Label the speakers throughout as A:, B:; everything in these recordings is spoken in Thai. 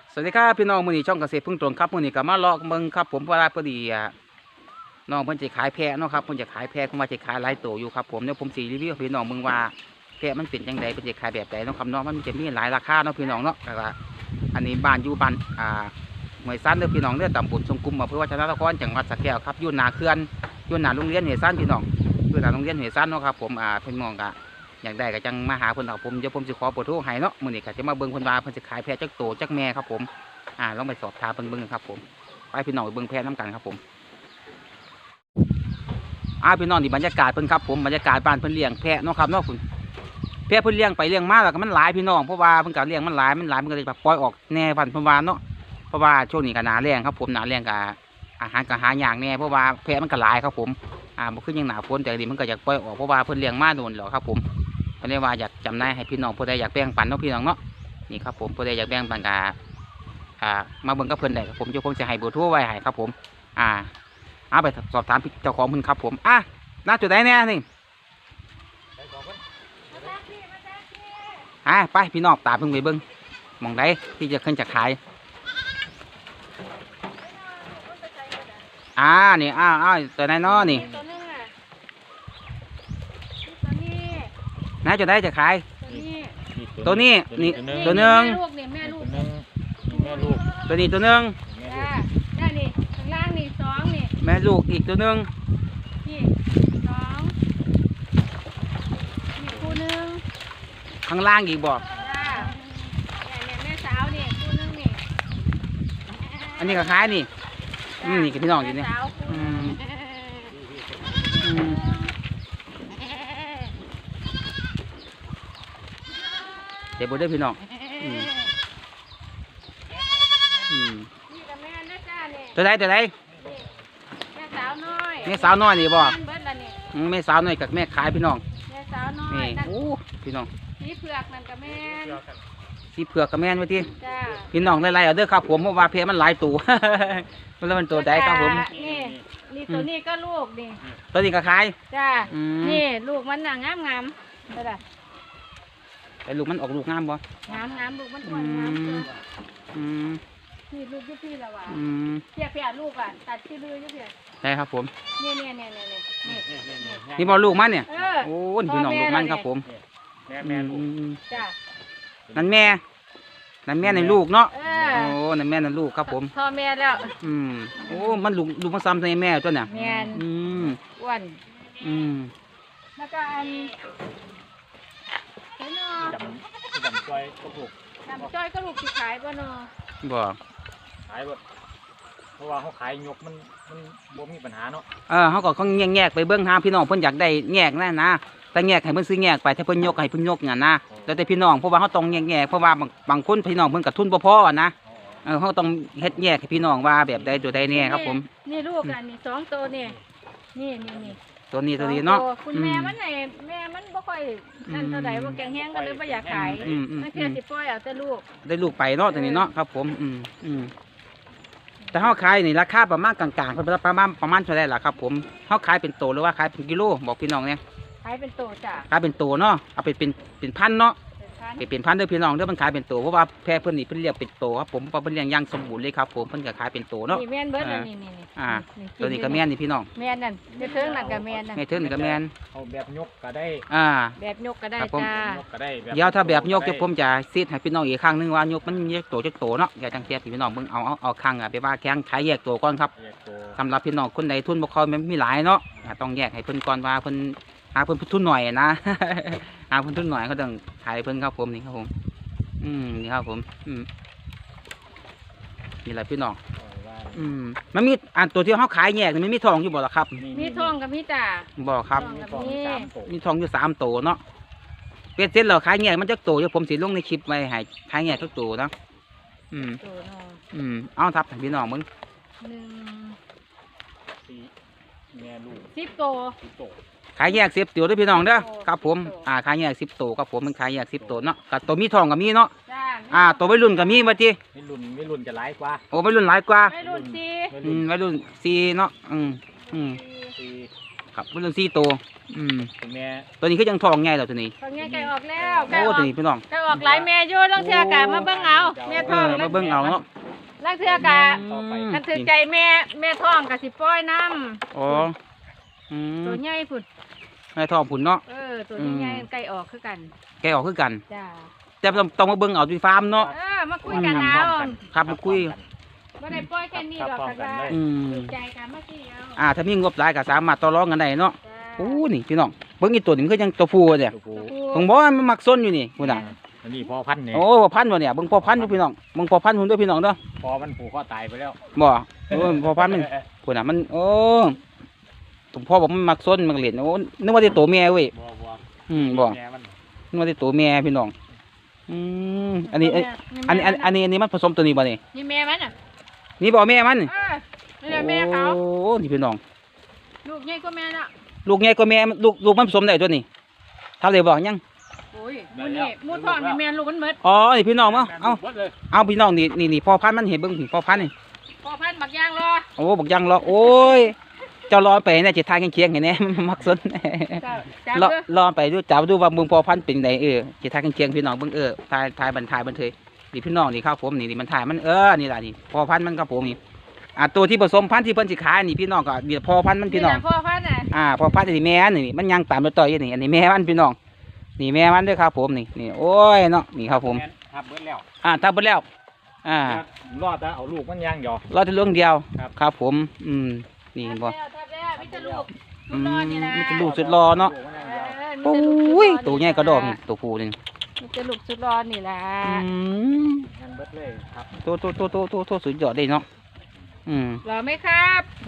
A: สวัสดีครับพี่น้องมื้อนี้ช่องเกษตรพึ่งตรงครับมื้อนี้ก็มาเลาะเบิ่งครับผมเพราะว่าพอดีน้องเพิ่นจะขายแพะเนาะครับเพิ่นจะขายแพะเพิ่นว่าจะขายหลายตัวอยู่ครับผมเดี๋ยวผมสิรีวิวให้พี่น้องเบิ่งว่าแพะมันเป็นจังไดเพิ่นจะขายแบบใดเนาะครับเนาะมันจะมีหลายราคาเนาะพี่น้องเนาะแล้วก็อันนี้บ้านอยู่บ้านห้วยซั้นเด้อพี่น้องเด้อตำบลทรงกุมอำเภอวัฒนนครจังหวัดสระแก้วครับอยู่หน้าเขื่อนอยู่หน้าโรงเรียนห้วยซั้นพี่น้องอยู่หน้าโรงเรียนห้วยซั้นเนาะครับผมเพิ่นมองก็อยากได้ก็จังมาหาเพิ่นครับผมเดี๋ยวผมสิขอเบอร์โทรให้เนาะมื้อนี้ก็จะมาเบิ่งเพิ่นว่าเพิ่นจะขายแพะจักโตจักแม่ครับผมลองไปสอบถามเบิ่งครับผมไปพี่น้องไปเบิ่งแพะน้ำกันครับผมพี่น้องนี่บรรยากาศเพิ่นครับผมบรรยากาศบ้านเพิ่นเลี้ยงแพะเนาะครับเนาะคุณแพะเพิ่นเลี้ยงไปเลี้ยงมาแล้วก็มันหลายพี่น้องเพราะว่าเพิ่นก็เลี้ยงมันหลายมันก็เลยแบบปล่อยออกแน่พันธุ์เพิ่นว่าเนาะเพราะว่าช่วงนี้ก็หนาแรงครับผมหนาแรงก็อาหารก็หาอย่างแน่เพราะว่าแพะมันก็หลายครับผมบ่คือยังหนาฝนแต่ดีมันก็อยากปล่อยออกเพราะว่าเพิ่นเลี้ยงมาโดนแล้วครับผมเพิ่นเลยว่าอยากจำหน่ายให้พี่น้องผู้ใดอยากแบ่งปันเนาะพี่น้องเนาะนี่ครับผมผู้ใดอยากแบ่งปันก็มาเบิ่งกับเพิ่นได้ครับผมจะให้เบอร์โทรไว้ให้ครับผมเอาไปสอบถามเจ้าของเพิ่นครับผมน่าจุดไหนแน่นี่ไปพี่น้องตามเพิ่งไปเบิ่งมองได้ที่จะขึ้นจะขายนี่ตัวไหนน้อนี่น่าจุดไหนจะขายตัวนี้นี่ตัวหนึ่ง
B: แม่ลูก
A: ตัวนี้ตัวหนึ่ง
B: นี่ข้างล่างนี่สองนี่
A: แม่ลูกอีกตัวหนึ่ง
B: นี่สองนี่คู่หนึ่ง
A: ข้างล่างอีกบอก
B: เนี่ยแม่สาวนี่คู่หนึ่งนี่
A: อันนี้ก็ขายนี่นี่กับพี่น้องอยู่นี่เดี๋ยวบดได้พี่น้องตัวใดแม่สาวน้อยนี่บ่แม่สาวน้อยกับแม่ขายพี่น้อง
B: แม่สาวน้อย
A: นี่พี่น้อง
B: สีเผือกนั่นกับแม่
A: สีเผือกกับแม่ไว้ที่พี่น้องไล่ๆเอาเด้อครับผมเพราะว่าเพมันหลายตัวมันตัวใดครับผม
B: นี่ตัวนี้ก็ลูกนี่
A: ตัวนี้ก็ขาย
B: นี่ลูกมันงาม
A: แต่ลูกมันออกลูกงามบ่
B: งามลูกมันงามนี่ลูกยุพี่ละว่ะเพียลูกตัดที่ลือยุพี่
A: ใช่ครับผม
B: นี่
A: บอลลูกมันเนี่ยโอ้พี่น้องลูกมันครับผม
B: แม่จ้า
A: นั่นแม่ในลูกเนาะนั่นแม่นั่นลูกครับผม
B: พ่อแม่แล้ว
A: มันลูกมันซ้ำในแม่ตัวเนี่ย
B: แม่อ้วนแล้วก็
C: จำจ้อย
B: ก็ลูกที่ขายบ่เนาะ
A: บ่
C: ขายบ่เพราะว่าเขาขายยกมันบ่มีปัญหาเนาะ
A: เขาก็แยกไปเบื้องหาพี่น้องเพิ่นอยากได้แยกนะแต่แยกให้เพิ่นซื้อแยกไปถ้าเพิ่นยกให้เพิ่นยกอย่างนะแต่พี่น้องเพราะว่าเขาต้องแยกเพราะว่าบางคนพี่น้องเพิ่นกับทุนบ่พอนะเขาต้องเฮ็ดแยกให้พี่น้องว่าแบบใดตัวใดแน่ครับผม
B: นี่ลูกนี่2ตัวนี่
A: ตัวนี้เนาะ
B: คุณแม่มันแม่มันบ่ค่อยนั่นเท่าใดบ่แข็งแรงก็เลยบ่อยากขายมันแค่สิปล่อยเอาแต่ลูก
A: ได้ลูกไปเนาะตัวนี้เนาะครับผมแต่เขาขายนี่ราคาประมาณกลางๆประมาณเท่าไรล่ะครับผมเขาขายเป็นโตหรือว่าขายเป็นกิโลบอกพี่น้องเนี่ย
B: ขายเป็นโตจ้ะ
A: ขายเป็นโตเนาะเอาเป็นพันเนาะเป็นพันเด้อพี่น้องเด้อมันขายเป็นโตเพราะว่าแพะเพิ่นนี่เพิ่นเลี้ยงเป็นโตครับผมเพราะเพิ่นเลี้ยงอย่างสมบูรณ์เลยครับผมเพิ่นก็ขายเป็นโตเนาะ
B: นี่แม่นเบิดนี่
A: ตัวนี้ก็แม่นนี่พี่น้อง
B: แม่นนั่นแม่เทิงนั่นก็แม่นนั่น
A: แม่เทิงนี่ก็แม่น
C: เอาแบบยกก็ได้
B: แบบยกก็ได้จ้า
A: เดี๋ยวถ้าแบบยกผมจะซีดให้พี่น้องอีกครั้งนึงว่ายกมันแยกโตจักโตเนาะอย่าจังเทียบพี่น้องเบิ่งเอาครั้งไปว่าแข้งขายแยกโตก่อนครับสำหรับพี่น้องคนใดทุนบ่ค่อยมีหลายเนาะต้องแยกให้เพิ่นก่อนว่าเพิ่นเพิ่นทุนหน่อยนะเพิ่นทุนหน่อยเขาต้องขายเพิ่นครับผมนี่ครับผมนี่ครับผมนี่แหละพี่น้องมันมีตัวที่เขาขายแยกมันมีทองอยู่บ่ล่ะครับ
B: มีทองกับมีจ่า
A: บ่ครับมีทองอยู่3ตัวเนาะเป็ดเสร็จแล้วขายแยกมันจะโตเดี๋ยวผมสิลงในคลิปไว้ให้ขายแยกทุกตัวนะเอาทับให้พี่น้องมึง
C: แม่ลูก
B: 10ตัว
A: ขายแยก10ตัวด้วยพี่น้องเด้อครับผมขายแยก10ตัวครับผมมันขายแยก10ตัวเนาะกับตัวมีทองกับมีเนาะตัววัยรุ่นกับมีมาที
C: วัยรุ่นจะหลายกว่า
A: วัยรุ่นหลายกว่า
B: วัยรุ่น
A: 4เนาะคครับเรื่อง4ตัว
C: ตัวแม่
A: ตัวนี้คือยังทองใหญ่แล้วตัวนี้
B: ตอนนี้ไก่ออกแล้วไก่
A: โอ้
B: ออก
A: ตัวนี้พี่น้อง
B: ไก่ออกหลายแม่อยู่ลังเทื่อกะมาเบิ่งเอาแม่ท้อง
A: มาเบิ่งเอาเนาะ
B: ลังเทื่อกะ
C: ต่อไป
B: คันถือใจแม่ท้องกะสิปล่อยน้
A: อ๋อ
B: ำตัวใหญ่พุ่น
A: ให้ทองผุนเนาะ
B: ตัวใหญ่ๆไก่ออกคือกัน
A: แกออกคือกัน
B: จ้า
A: แต่ต้องมาเบิ่งเอาที่ฟาร์มเนาะ
B: มาคุยกันเอา
A: ครับมาคุย
B: บ่ได้ปล่อยแค่นี้หรอกค่ะ
A: อืม
B: ถือใจกันมาสิเอา
A: ถ้ามีงบหลายก็สามารถต่อรองกันได้เนาะ
B: จ้า
A: โอ้นี่พี่น้องเบิ่งอีตัวนี้มันคือยังตัวผู้เนี่ย
C: ตัวผู้
A: ผมบอกว่ามันมักซนอยู่นี่พุ่นน่ะ
C: อันนี้พอพันธุ์เนี่ย
A: โอ้พ่อพันธุ์บ่เนี่ยเบิ่งพ่อพันธุ์อยู่พี่น้องเบิ่งพ่อพันธุ์พุ่นด้วยพี่น้องเด้อ
C: พอมันผูกคอตายไปแล้ว
A: บ่โอ้พ่อพันธุ์มันพุ่นน่ะมันโอ้ผมพ่อบอกมันมักซนมันเล่นโอ้นึกว่าแต่ตัวแม่เว้ย
C: บ่
A: บ่
C: แม่มัน
A: นึกว่าแต่ตัวแม่พี่น้องอันนี้มันผสมตัวนี้บ่นี่
B: นี่แม่มันอ่ะ
A: นี่บ่แม่มัน
B: นี่แหละแม่เขา
A: โอ้นี่พี่น้อง
B: ลูกใหญ่กว่าแม่น่ะ
A: ลูกใหญ่กว่าแม่ลูกมันผสมได้ตัวนี้ทำได้บ่ยัง
B: โอ้ยมูนี่มูท้องนี่แม่ลูกมันหมด
A: อ๋อนี่พี่น้องเอ้า
C: หมดเลย
A: เอาพี่น้องนี่พ่อพันธุ์มันเห็นเบิ่งพี่พ่อพันธุ์นี่
B: พ่อพันธุ์บักย่างรอ
A: โอ้บอกยังรอโอ้ยเจ้ารอไปเนี่ยจะทายเคียงๆเห็นแน่ มันมักสน
B: จ้าร
A: อรอไปดูจับดูว่าเบิ่งพ่อพันธุ์เป็นไงจะทายเคียงๆพี่น้องเบิ่งทายบันเทยนี่พี่น้องนี่ครับผมนี่มันถ่ายมันนี่ล่ะนี่พ่อพันธุ์มันครับผมนี่ตัวที่ผสมพันธุ์ที่เพิ่นสิขายนี่พี่น้องก็เดี๋ยวพ่อพันธุ์มันพี่น้อง
B: พ่อพันธุ์น่ะ
A: พ่อพันธุ์นี่แม่นี่มันยังตามต่อยนี่อันนี้แม่มันพี่น้องนี่แม่มันเด้อครับผมนี่โอ้ยเนาะนี่ครับผม
C: แนทับเบิดแล้ว
A: ถ้าเบิดแล้ว
C: รอดแล้วเอาลูกมันย่างหยอก
A: รอแต่เรื่องเดียว
C: ครับ
A: ครับผมนี่บ่
B: ทับแล้วมิตรลูกลูกนอนนี่นะ
A: มันจะลูกสุดรอเนาะ โอ้ยตัวใหญ่กระดอกนี่ตัวผู้นี่
B: มิตรลูกสุดร้อนนี่ล่ะ
C: ย่างเบิดเลยครับ
A: ตัวสุดยอดเลยเนาะ
B: รอไหมครับ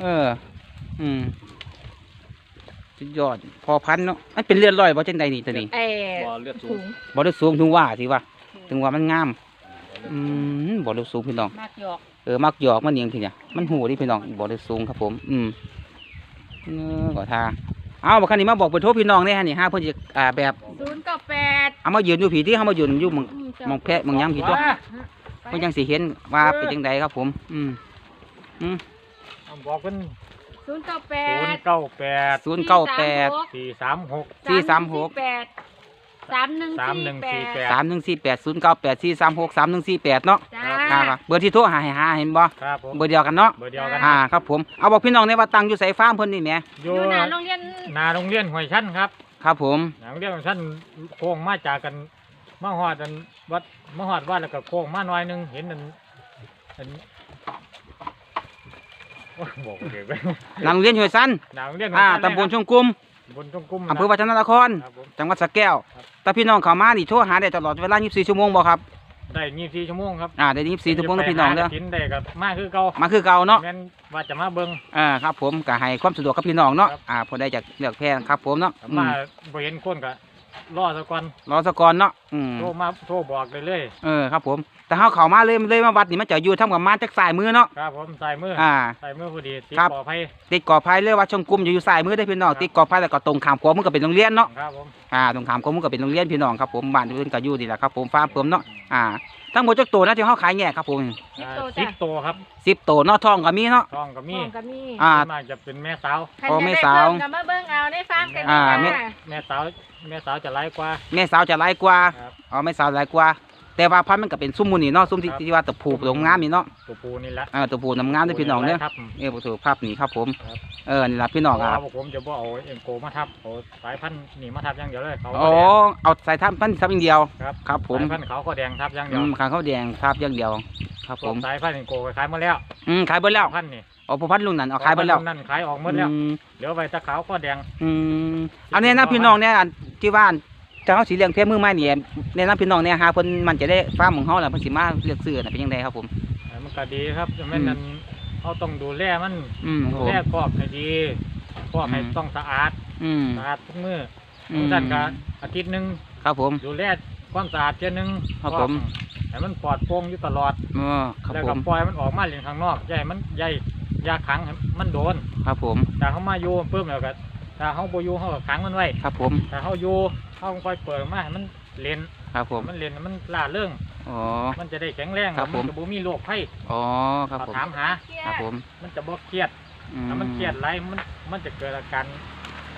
A: สุดยอดพอพันเนาะมันเป็นเลือดลอยบ่จังใดนี่ตัวนี้
C: บ่เลือดสู
B: ถุ
C: ง
B: ง
A: บ่ได้สูงถึงว่ามันงามบ่ได้สูงพี่น้อง
B: มากหยอก
A: มักหยอกมันเนียงทีเนี่ยมันหูดิพี่น้องบ่ได้สูงครับผมก็ท่าเอาบักคันนี้มาบอกเบอร์โทรพี่น้องเนี่ยฮะนี่5เพิ่นจะแบบ
B: 098
A: เอามายืนอยู่ผีที่เฮามายืนอยู่มองแพะมองหยังผีตัวเพิ่นยังสิเห็นว่าเป็นจังไดครับผม
C: บอกเป็น
B: 098
C: 098
A: 098
C: 436
A: 436
B: 3148
A: 3148 098 436 3148เนาะ
B: จ้า
A: ครับเบอร์ที่โทรหาเห็นบ่
C: ครับผม
A: เบอร์เดียวกันเนาะ
C: เบอร์เดียวกัน
A: ครับผมเอาบอกพี่น้องในว่าตั้งอยู่ไสฟาร์มเพิ่นนี่แหม
C: อยู่
B: อยู่หน้าโรงเรียน
C: นาโรงเรียนห้วยชั้นครับ
A: ครับผม
C: นาโรงเรียนห้วยชั้นโค้งมาจากกันมาฮอดวัดแล้วก็โค้งมาหน่อยนึงเห็นอันบอกเด็กไป
A: หลังโรงเรียนห้วยซัน
C: นาโรงเรียน
A: ตำบลชงกุม
C: บนจงกุม
A: อำเภอวัฒนนคร
C: ครับผม
A: จังหวัดสระแก้ว
C: ครับ
A: แต่พี่น้องเข้ามานี่โทรหาได้ตลอดเวลา24ชั่วโมงบ่ครับ
C: ได้24ชั่วโมงครับ
A: ได้24ชั่วโมงนะพี่น้องเด้อ
C: กินได้กับมาคือเก่า
A: มาคือเก่าเนาะ
C: แม่นว่าจะมาเบิ่ง
A: ครับผมก็ให้ความสะดวกกับพี่น้องเนาะ
C: ครับ
A: พอได้จากเลือกแพงครับผมเนาะ
C: มาบ่เห็นคนก็รอซะก่อน
A: รอสะก่อนเนาะ
C: โทรบอกได้เลย
A: ครับผมแต่เฮาเข้ามาเลยมาวัดนี่มันจะอยู่ทำกับมาจากซ้ายมือเนาะ
C: ครับผมใส่มือ
A: อ่า
C: ใส่มือพอดีติด
A: ครับ
C: ปลอดภัย
A: ติดกอไผ่เลยว่าชงกุมอยู่ซ้ายมือได้อพี่น้องติดกอไผ่แล้วก็ตรงข้ามขวามือก็เป็นโรงเรียนเนาะ
C: ครับผม
A: ตรงขามขวามือก็เป็นโรงเรียนพี่น้องครับผมบ้านเพิ่นก็อยู่นี่แหละครับผมฟาร์มเพิ่มเนาะทั้งหมดจักตัวนะที่เฮาขายแยกครับผม
C: 10 ตัวครับ
A: 10ตัวเนาะทองก็มีเนาะ
C: ทองก็มี
B: ก็มี
A: อ่า
C: ส่วนมากจะเป็นแม่สาว
A: พอแม่สาว
B: ก็มาเบิ่งเอาในฟาร์มกัน
C: แม่สาวจะหลายกว่า
A: แม่สาวจะหลายกว่า
C: ครับ
A: แม่สาวหลายกว่า แต่ว่าพันธุ์มันก็เป็นซุ้มมูนี่เนาะซุ้มที่ว่าตะผูตรงงามนี่เนาะ
C: ตัวปูนี่แหละ
A: ตะผูน้ำงามด้วยพี่น้องเด้อ
C: ครับ
A: บ่ถูกภาพนี่ครับผม
C: ครับ
A: นี่ล่ะพี่น้อง
C: เพราะว่าผมจะบ่เอาเอ็มโกมาทับเอาสายพันธุ์นี่มาทับอย่างเดียวเลยเขา
A: เอาใส่ทับพันธุ์ทับอย่างเดียว
C: ครับ
A: ครับผม
C: สายพันธุ์เขาก็แดงทับอย่างเดียว
A: ขางข้าวแดงทับอย่างเดียวครับผม
C: สายพันธุ์เอ็มโกก็ขายหมดแล้ว
A: ขายเบิดแล้ว
C: พันธุ์นี่
A: ผู้พันธุ์ลุงนั่นเอาขายเบิดแล้ว
C: นั่นขายออกหมดแล้วเหลือไว้แตะขาวก็แดง
A: เอาเนี่ยนะพี่น้องเนี่ยที่บ้านเจ้าสีเหลืองเพชรมือไม้เนี่ยเนี่ยนะพี่น้องเนี่ยหาเพิ่นมันจะได้ฟาร์มของเฮาล่ะเพิ่นสิมาเลือกซื้อน่ะเป็นจังไดครับผม
C: มันก็ดีครับแม่นนั้นเขาต้องดูแลมัน
A: ค
C: ดู
A: รับ
C: แลคอกให้ดีคอกให้ต้องสะอาด สะอาดทุกมื้อท่านก็อาทิตย์นึง
A: ครับผม
C: ดูแลความสะอาดเทื่อนึง
A: ครับผม
C: ให้มันปลอดโปร่งอยู่ตลอด
A: ครับ
C: แล้ว
A: ผ
C: ก็
A: ม
C: ปล่อยมันออกมาเล่นข้างนอกอย่าให้มันยาขังให้มันโดน
A: ครับผม
C: แต่เขามาอยู่ปุ๊บแล้วก็ถ้าเขาบ่อยู่เขาก็ขังมันไว้
A: ครับผม
C: ถ้าเขาอยู่เขาค่อยเปิดมาให้มันเล่น
A: ครับผม
C: มันเล่นมันล่าเริง
A: อ๋อ
C: มันจะได้แข็งแรง
A: ครับผม
C: นจะบ่มีโรคภัย
A: อ๋อครับผม
C: ถามหา
A: ครับผม
C: มันจะบ่เครียดถ้ามันเครียดไรมันจะเกิดอาการ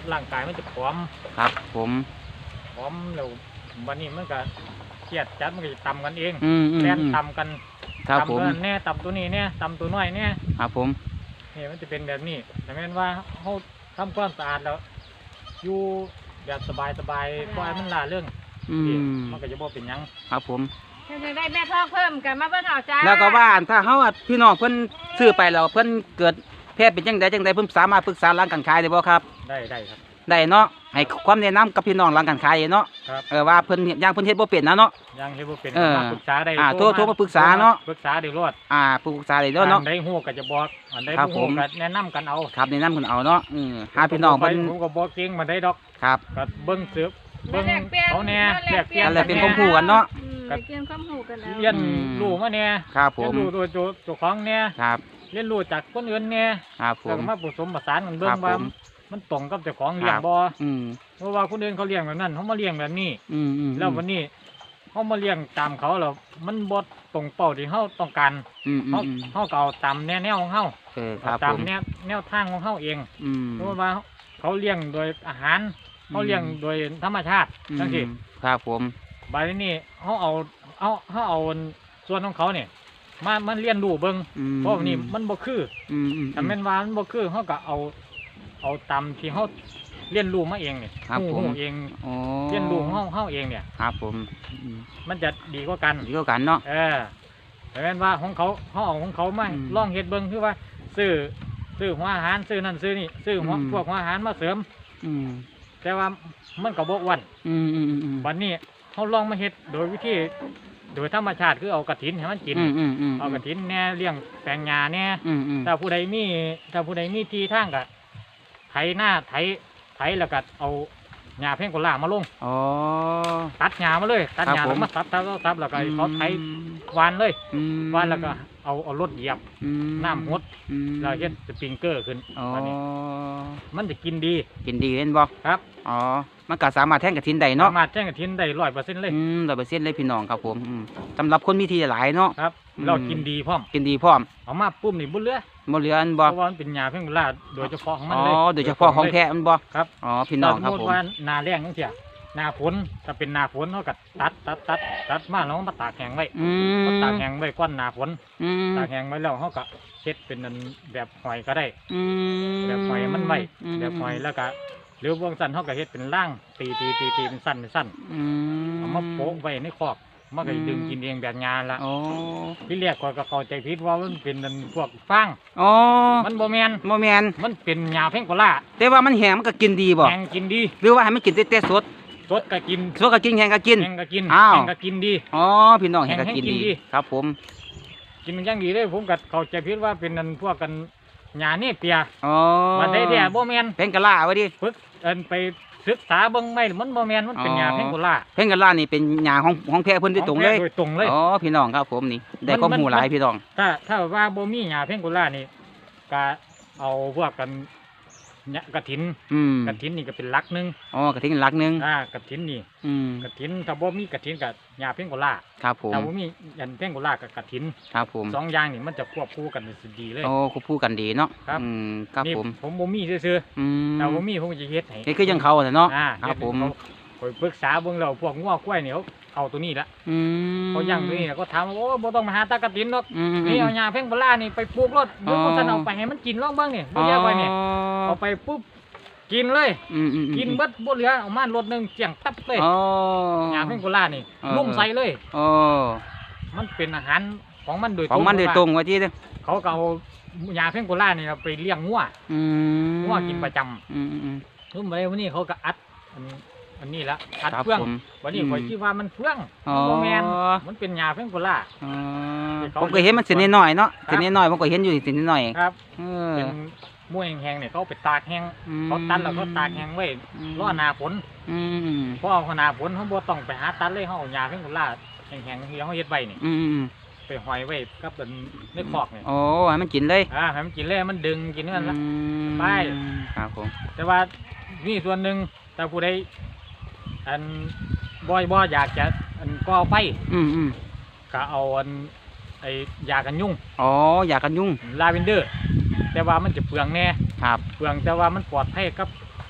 C: ร่างกายมันจะผอม
A: ครับผม
C: ผอมแล้ววันนี้มันก็เครียดจัดมันก็จะตำกันเอง
A: อืม
C: แล่นตำกัน
A: ครับผม
C: ตำตัวนั้นแน่ตำตัวนี้แน่ตำตัวน้อยแน่
A: ครับผม
C: นี่มันจะเป็นแบบนี้แต่แม่นว่าเขาทำความสะอาดแล้วอยู่แบบสบายปล่อยมันล่าเรื่อง
A: อืม
C: มันก็จะบ่เป็นหยัง
A: ครับผม
B: ถ้าจะได้แม่ท้องเพิ่มกันมาเบิ่งเอาจ้า
A: แล้วก็ว่าถ้าเฮาอะพี่น้องเพิ่นซื้อไปแล้วเพิ่นเกิดแพ้เป็นจังใดเพิ่นสามารถปรึกษาร้านการขายได้บ่ครับ
C: ได้ครับ
A: ได้เนาะให้ความแนะนำกับพี่น้องร้านการขายเนาะ
C: ครับ
A: ว่าเพิ่นย่างเพิ่นเฮ็ดบ่เป็นนะเนาะ
C: ยังเฮ็ดบ่เป็น
A: เออ
C: มาปรึกษาได้
A: โทรมาปรึกษาเนาะ
C: ปรึกษาได้รอด
A: ปรึกษาได้เด้อเนาะ
C: อันใดฮู้ก็จะบอกอันใด
A: ครับ
C: บ่ฮู้
A: ผม
C: ก็แนะนำกันเอา
A: ครับแนะนำเพิ่นเอาเนาะหาพี่น้อง
C: ไป
A: เพิ่น
C: ผมก็บ่เก่งมาได้ดอก
A: ครับ
C: ก็เบิ่งสืบ
B: เบิ่
C: เบิ่
B: ง
C: งเขาแน่แลกเปลี่ยน
A: นั่นแหละเป็นความรู้กันเนาะ
B: ได้เปลี่ยนความรู้กันแล้ว
C: เรียนรู้มาแน่
A: ครับผ
C: เรีย
A: ม
C: นรู้ตัวเจ้าของแน่
A: ครับ
C: เรียนรู้จากคนอื่นแน่
A: ครับผ
C: แล้ว
A: ม
C: ก็มาผสมผสานกันเบิ่
A: ครั
C: ง
A: บ
C: ว่า
A: ผม
C: มันตรงกับเจ้าของเลี้ยง
A: ครับ
C: บ่
A: อืม
C: เพราะว่าคนอื่นเขาเลี้ยงแบบนั้นเขามาเลี้ยงแบบนี้ แล้ววันนี้เขามาเลี้ยงตามเขาแล้วมันบดตรงเป้าที่เขาต้องการ เขาก็เอาตามแนวของเขา
A: ครั
C: เอา
A: บ
C: ตา
A: ผม ม
C: แนวทางของเขาเอง
A: อืม
C: เพราะว่าเขาเลี้ยงโดยอาหารเขาเลี้ยงโดยธรรมชาติทั้งที่
A: ครับผม
C: บายนี้เขาเอาส่วนของเขาเนี่ยมันเลี้ยนรู้เบิ่งเพราะว่านี่มันบ่คือ ถ้าแม่นว่ามันบ่คือเขาก็เอาตามที่เขาเรียนรู้มาเองเนี่ย
A: ครับ
C: ฮู้
A: ผม
C: เอง
A: อ๋อ
C: เรียนรู้ของเขาเองเนี่ย
A: ครับผม
C: มันจะดีกว่ากัน
A: ดีกว่ากันเนาะ
C: แต่แม่นว่าของเขาเอาของเขามา
A: อืม
C: ลองเฮ็ดเบิ่งคือว่าซื้อหัวอาหารซื้อนั่นซื้อนี่ซื้อหัว
A: อืม
C: พวกหัวอาหารมาเสริม
A: อืม
C: แต่ว่ามันก็บ่อ้วน
A: อืม
C: วันนี้เขาลองมาเฮ็ดโดยวิธีโดยธรรมชาติคือเอากระถินให้มันกิน เอากระถินแหน่เลี้ยงแปลงหญ้าแหน่ ถ้าผู้ใดมีที่ทางก็ไถหน้าไถแล้วก็เอาหญ้าเพ่งโกล่ามาลง
A: อ๋อ
C: ตัดหญ้ามาเลยตัดหญ้า
A: ครับผม
C: แล้วมาซับแล้วก็ให้เขาไถหวานเลยหวานแล้วก็เอารถเหยียบน้ำหดแล้วเฮ็ดสปริงเกอร์ขึ้น
A: อ๋อ
C: วันนี้มันจะกินดี
A: กินดีเล่นบ่
C: ครับ
A: อ๋อมันก็สามารถแทงกระถินได้เนาะ
C: สามารถแจ้งกระถินได้100%เลย
A: 100%เลยพี่น้องครับผมสำหรับคนมีที่หลายเนาะ
C: ครับ
A: อืม
C: เรากินดีพร้อม
A: กินดีพร้อม
C: เอามาปุ๊บนี่บ่เหลือ
A: บ่เหลืออัน
C: เพ
A: บ่
C: ราะว่ามันเป็นหญ้าเพ่งโกล่าโดยเฉพาะของมัน
A: อ๋อ
C: เลย
A: โดยเฉพาะของแท้มันบ่
C: ครับ
A: อ๋อพี่น้องครับ
C: สม
A: ผม
C: ติว่าหน้าแรงจังซี่หน้าฝนถ้าเป็นหน้าฝนเขาก็ตัดมาแล้วมาตากแห้งไว้ เขาตากแห้งไว้ก้อนหนาฝนตากแห้งไว้แล้วเขาก็เช็ดเป็นอันแบบหอยก็ได้ แบบหอยมันไว้แบบหอยแล้วก็หรือวงสั้นเขาก็เฮ็ดเป็นร่างตีเป็นสั้นเอามาโปะไว้ในคอกมันก็ดึงกินเองแบบงานละ
A: อ๋อ
C: ที่เรียกก็เข้าใจผิดว่ามันเป็นอันพวกฟาง
A: อ๋อ
C: มันบ่แมน
A: บ่แม่น
C: มันเป็นหญ้าเพ่งโกล่า
A: แต่ว่ามันแห้งมันก็กินดีบ่
C: แห้งกินดี
A: หรือว่าให้มันกินแต่สด
C: สดก็กิน
A: สดก็กินแห้งก็กิน
C: แห้งก็กิน
A: อ้าว
C: แห้งก็กินดี
A: อ๋อพี่น้องแห้งก็กิน
C: แห้งกิน
A: ดี
C: ดี
A: ครับผม
C: กินมันอยังดีเลยผมก็เข้าใจผิดว่าเป็นอันพวกกันหญ้าเนี่ยเปีย
A: อ๋อ
C: มันได้แท้บ่แม่น
A: เพ่งกะลาไว้ดิ
C: ฝึกไปศึกษาเบิ่งไม่มันบ่แม่นมันเป็นหญ้า
A: อ๋อ
C: เพ่งโกล่า
A: เพ่งกะลานี่เป็นหญ้าของแพะเพิ่นโดยตรงเลย
C: โดยตรงเลย
A: อ๋อพี่น้องครับผมนี่ได้ความรู้หลายพี่น้อง
C: ถ้าว่าบ่มีหญ้าเพ่งโกล่านี่ก็เอาพวกกันเนี่ยกระถินกระถินนี่ก็เป็นหลักหนึง
A: อ๋อกระทิงหลักหนึง
C: กระถินนี่
A: ก
C: กระถินถ้าบ่มีกระถินก็หญ้าเพ่งโกล่า
A: ครับผม
C: ถ้าบ่มีหญ้าเพ่งโกล่าก็กระถิน
A: ครับผม
C: สองอย่างนี่มันจะควบคู่กันได้ดีเลย
A: โอ้คู่พูดกันดีเนาะ
C: ครับ
A: ครับ
C: นี่
A: ผม
C: ผมบ่มีซื่อ
A: อื
C: ๆ
A: ม
C: ถ้าบ่มีผมก็จะเฮ็ดให้
A: นี่คือยังเขาแต่เนาะ
C: เฮ็ด
A: ครับผม
C: ให้เขาปรึกษาเบิ่งแล้วพวกงัวควายนี่เขาเอาตัวนี้ละ
A: อืม
C: เขาย่างตัวนี้แล้วก็ถามว่าโอ้บ่ต้องมาหาตากระตินหรอก
A: อืม
C: นี่เอาหญ้าเพ่งโบราณนี่ไปปลูกรถเดี๋ยวคนสันเอาไปให้มันกินลองเบิ่งนี่บ่แยกไว้นี่เอาไปปุ๊บกินเลย กินเบิดบ่เหลือเอามารถหนึงเจียงตับเลย
A: อ๋อ
C: หญ้าเพ่งโบราณนี่
A: อ๋อ
C: ลุ่มใส่เลย
A: อ๋อ
C: มันเป็นอาหารของมันโดย
A: ของมันโดยตรงไว้ที่เด้อ
C: เขาก็เอาหญ้าเพ่งโบราณนี่ไปเลี้ยงงัว
A: อืม
C: งัวกินประจำ รุ่มไปวันนี้เขาก็อัดอันนี้ละอัด
A: ครับ
C: เฟื่อง
A: ผม
C: วันนี้
A: อืม
C: ข่อยคิดว่ามันเฟื่อง
A: อ๋อ
C: มันบ่แมนมันเป็นหญ้าเพ่งโบราณ
A: อ๋อ
C: ที่เขา
A: ผมก็เห็นมันเส้นน้อยๆเนาะ
C: ครับ
A: เส้นน้อยๆผมก็เห็นอยู่เส้นน้อย
C: ครับ
A: เออ
C: เป็นม้วยแห้งๆเนี่ยเขาไปตากแห้ง
A: อืม
C: เขาตัดแล้วเขาตากแห้งไว้รอหน้าฝน
A: อืม
C: พอเอาหน้าฝนเขาบ่ต้องไปหาตัดเลยเขาเอาหญ้าเพ่งโบราณแห้งๆที่เขาเฮ็ดไว้นี่
A: อืม
C: ไปหอยไว้กับเป็นในคอกนี่
A: โอ้ให้มันกินเลย
C: ให้มันกินเลยมันดึงกินนั่นละ ไป
A: ครับผม
C: แต่ว่านี่ส่วนหนึ่งแต่ผู้ใดอันบ่อยากจะอันก่อไฟ
A: อืม
C: ก็เอาอันไอ้ยากันยุง
A: อ๋ออยากกันยุ่ง
C: ลาเวนเดอร์ แต่ว่ามันจะเปลืองแน่
A: ครับ
C: เปลืองแต่ว่ามันปลอดภัยกับ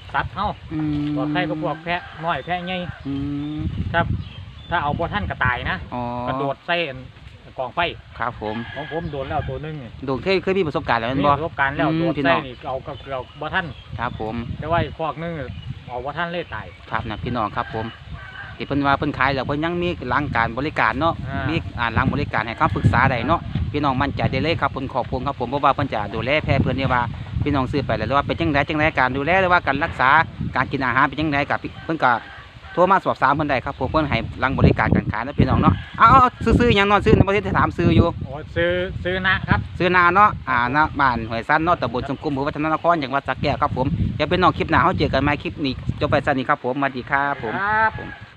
C: สัตว์เฮา
A: อืม
C: ปลอดภัยก็พวกแพะน้อยแพะใหญ่
A: อืม
C: ถ้าเอาบ่ทันก็ตายนะ
A: อ๋อก
C: ระโดดใส่กองไฟ
A: ครับผม
C: ของผมโดนแล้วตัวหนึงนี่
A: โดนเคยมีประสบการณ์แล้วแม่น
C: มี
A: บ่
C: ประสบการณ์แล้ว
A: อืม
C: โดด
A: พี่
C: ใส่
A: น้อง
C: นี่เอาก็เกือบบ่ทัน
A: ครับผม
C: แต่ว่าอีกพวกนึงเอาบ่ทันเลยตาย
A: ครับนะพี่น้องครับผมที่เพิ่นว่าเพิ่นขายแล้วเพิ่นยังมีหลังการบริการเนาะ
C: อ่ามี
A: มีหลังบริการให้คำปรึกษาได้เนาะพี่น้องมั่นใจได้เลยครับเพิ่นขอบคุณครับผมเพราะว่าเพิ่นจะดูแลแพะเพิ่นเนี่ยว่าพี่น้องซื้อไปแล้วว่าเป็นจังไดการดูแลหรือว่าการรักษาการกินอาหารเป็นจังไดกับเพิ่นก็โทรมาสอบถามเพิ่นได้ครับผมเพิ่นให้หลังบริการการขายนะพี่น้องเนาะเอาซื้อๆหยังเนาะซื้อในประเทศที่ถามซื้ออยู่
C: โอ้ซื้อนะครับ
A: ซื้อนาเนาะณบ้านห้วยซั้นเนาะตำบลชมกุมอำเภอวัฒนนครจังหวัดสระแก้วครับผมเดี๋ยวเป็นน้องคลิปหน้าเฮาเจอกันใหม่คลิปนี้จบไปซั่นนี้ครับผมสวัสดีครับผม
C: ครับ